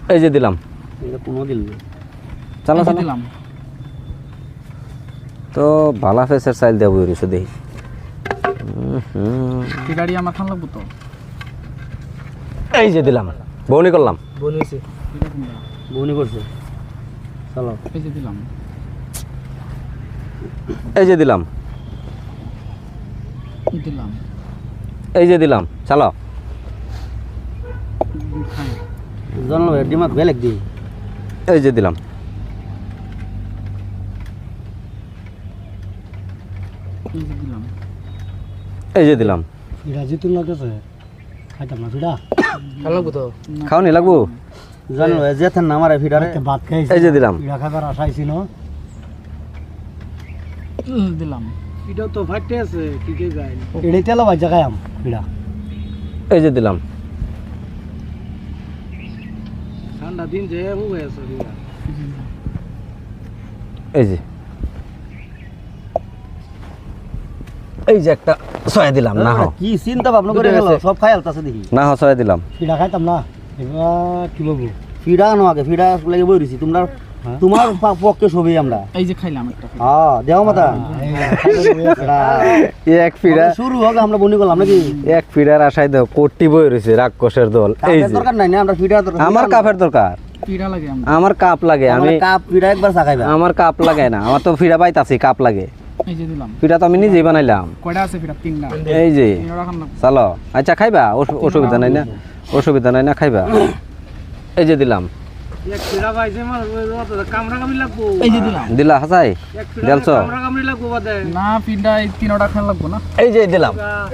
এই যে দিলাম। এটা কোনো দিল না। চালো চালো দিলাম তো ভালা ফেসের চাইল দেবো রইছো দেখি। গাড়ি আমার খান লাগবো তো। এই যে দিলাম, বউনি করলাম। বনি হইছে। এটা কোনটা? বনি করছে। চলো। এই যে দিলাম এই যে দিলাম, দিলাম এই যে দিলাম, চালো। খাই জানলো ডিমাক বেলেগ দি। এই যে দিলাম, এই যে দিলাম এই যে দিলাম। ফিরা জিতুন লাগছে। খাইতাম না ফিরা। খান লাগবো তো। খাওনি লাগবো? জানলো যেতেন না আমারে ফিরারে। ভাত খাইছি। এই যে দিলাম, ফিরা খাবার আশা ছিল। দিলাম এটাও তো ফাটতে আছে কি কে গাইল। এড়ে তেল বাজা খাইম ফিরা। এই যে দিলাম, ঠান্ডা দিন যে ও হয়ে আছে ফিরা। এই যে এই যে একটা ছয় দিলাম। না হো কি চিন্তা ভাবনা করে গেল সব খাই আলতাছে দেখি। না হো ছয় দিলাম। ফিরা খাইতাম না এবার কি বলবো ফিরা আনো আগে ফিরা লাগে বই রইছি তোমরা তোমার পক্ষে সবই আমরা। এই যে খাইলাম একটা হ্যাঁ দেও মাতা এক ফিরা শুরু হোক আমরা বনি করলাম নাকি এক ফিরার আশায় দাও কোটি বই রয়েছে রাক্ষসের দল। এই যে দরকার নাই না আমরা ফিরা দরকার আমার কাপের দরকার, পিড়া লাগে আমার। আমার কাপ লাগে। আমি কাপ ফিরা একবার চাখাইবা। আমার কাপ লাগে না, আমার তো ফিরা পাইতাছি, কাপ লাগে। এই যে দিলাম। ফিরা তো আমি নিজেই বানাইলাম। কয়টা আছে পিড়া? তিনটা। এই যে তিনটা খান লাগবো। চলো। আচ্ছা খাইবা, অসুবিধা নাই না, অসুবিধা নাই না, খাইবা। এই যে দিলাম, এক ফিরা পাইছে মানে কামরা কামড়ি লাগবো। এই যে দিলাম। দিলা হাসাই দেলছ। কামরা কামড়ি লাগবো বাদে না পিড়া এই তিনটা খান লাগবো না। এই যে দিলাম,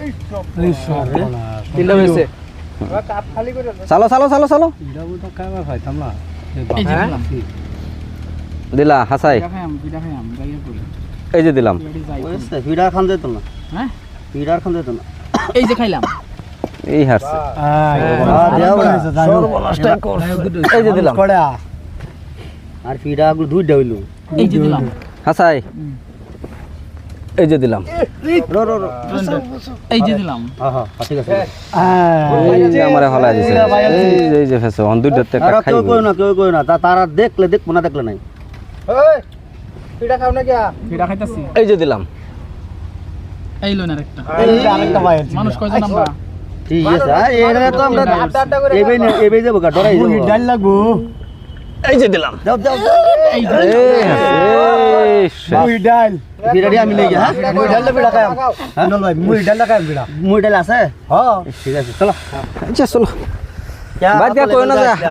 তিনটা হয়েছে। কাপ খালি করে চালো চালো চালো চালো। ফিরা তো খাইবা পাইতাম না। এই যে দিলাম। দিলা হাসাই। পিড়া খাইম যাইয়া করি। এই যে দিলাম, পিড়াটি যাই করি। ওইসে ফিরা খান যেত না। হ্যাঁ ফিরা খান যেত না। এই যে খাইলাম। এই হাসছে। এই যে দিলাম, আর ফিরা গুলো দুইটা হইলো। এই যে দিলাম। হাসাই। এই যে দিলাম, রো রো রো এই যে দিলাম। হ্যাঁ ঠিক আছে। এই যে আমারে হলাই দিছে। এই যে ফেসো অন দুইটা একটা আর কেউ খাইবো। কেউ কই না তারা দেখলে দেখবো না দেখলে নাই। এই ফিরা খাও না কিয়া? পিড়া খাইতাছি। এই যে দিলাম, এই লোন আরেকটা। এই আরেকটা ভাই মানুষ কয়জন আমরা? ঠিক আছে এরা তো আমরা এবেই যাবো গা ডরাই যাবো। ডাল লাগবো। এই যে দিলাম। যাও যাও এই যে এই মুই ডাল ফিরারি আমি লই গিয়া হ্যাঁ মুই ডাল ফিরা খাম। নল ভাই মুই ডাল খাম ফিরা। মুই ডাল আছে? হ্যাঁ ঠিক আছে চলো। আচ্ছা চলো। বাদ দিয়া কই না যা।